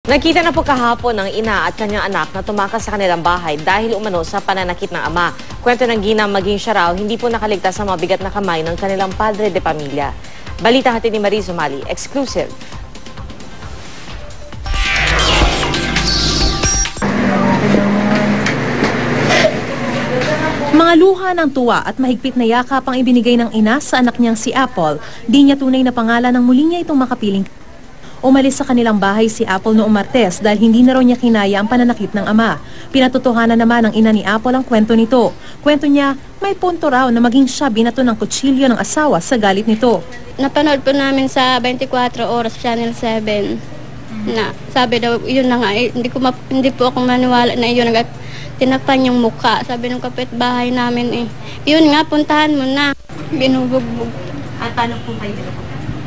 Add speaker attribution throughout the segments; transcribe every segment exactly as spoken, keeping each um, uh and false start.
Speaker 1: Nakita na po kahapon ng ina at kanyang anak na tumakas sa kanilang bahay dahil umano sa pananakit ng ama. Kwento ng ginang maging siya raw, hindi po nakaligtas sa mabigat na kamay ng kanilang padre de pamilya. Balita hatid ni Mariz Umali, exclusive.
Speaker 2: Mga luha ng tuwa at mahigpit na yakap ang ibinigay ng ina sa anak niyang si Apple. Di niya tunay na pangalan ng muli niya itong makapiling. Umalis sa kanilang bahay si Apple noong Martes dahil hindi na raw niya kinaya ang pananakit ng ama. Pinatotohanan naman ng ina ni Apple ang kwento nito. Kwento niya, may punto raw na maging siya binato ng kutsilyo ng asawa sa galit nito.
Speaker 3: Napanood po namin sa twenty-four Oras Channel seven na sabi daw, yun na nga, eh, hindi, ko ma- hindi po ako maniwala na yun nga, tinapan yung mukha. Sabi ng kapitbahay namin eh, yun nga, puntahan mo na. Binubugbog.
Speaker 2: At paano po kayo binubugbog?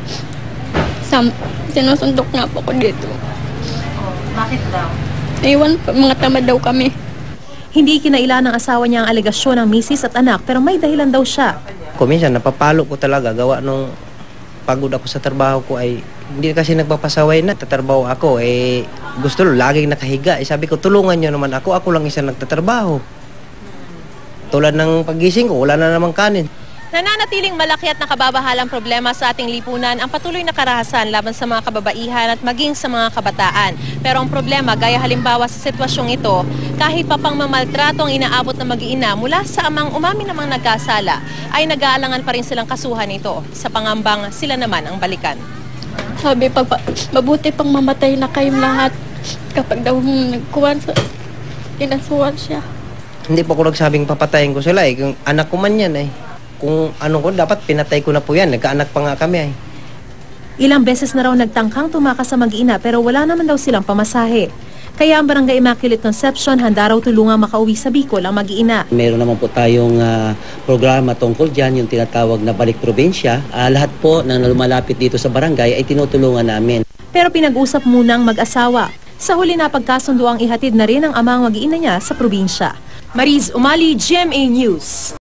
Speaker 3: Sam, sinusundok nga po ko dito.
Speaker 2: Oh, bakit daw?
Speaker 3: Iwan po, mga tamad daw kami.
Speaker 2: Hindi kinailan ng asawa niya ang alegasyon ng misis at anak pero may dahilan daw siya.
Speaker 4: Kuminsan napapalo ko talaga gawa nung pagod ako sa trabaho ko ay hindi kasi nagpapasaway na tatrabaho ako eh gusto lo laging nakahiga eh, sabi ko tulungan niyo naman ako ako lang isa nagtatrabaho. Tulad ng pagising ko wala na namang kanin.
Speaker 2: Nananatiling malaki at nakababahalang problema sa ating lipunan ang patuloy na karahasan laban sa mga kababaihan at maging sa mga kabataan. Pero ang problema, gaya halimbawa sa sitwasyong ito, kahit pa pang mamaltrato ang inaabot ng mag-iina mula sa amang umamin namang nagkasala, ay nag-aalangan pa rin silang kasuhan ito sa pangambang sila naman ang balikan.
Speaker 3: Sabi pa, mabuti pang mamatay na kayong lahat kapag daw nagkuhan sa kinasuhan siya.
Speaker 4: Hindi po ako nagsabing papatayin ko sila eh, kung anak ko man yan eh. Kung ano ko, dapat pinatay ko na po yan. Nagkaanak pa nga kami ay.
Speaker 2: Ilang beses na raw nagtangkang tumakas sa mag-ina pero wala naman daw silang pamasahe. Kaya ang Barangay Immaculate Conception handa raw tulungang makauwi sa Bicol ang mag-ina.
Speaker 5: Meron naman po tayong uh, programa tungkol dyan, yung tinatawag na Balik Probinsya. Uh, lahat po na lumalapit dito sa barangay ay tinutulungan namin.
Speaker 2: Pero pinag-usap muna ang mag-asawa. Sa huli na pagkasundo ang ihatid na rin ang amang mag-iina niya sa probinsya. Mariz Umali, G M A News.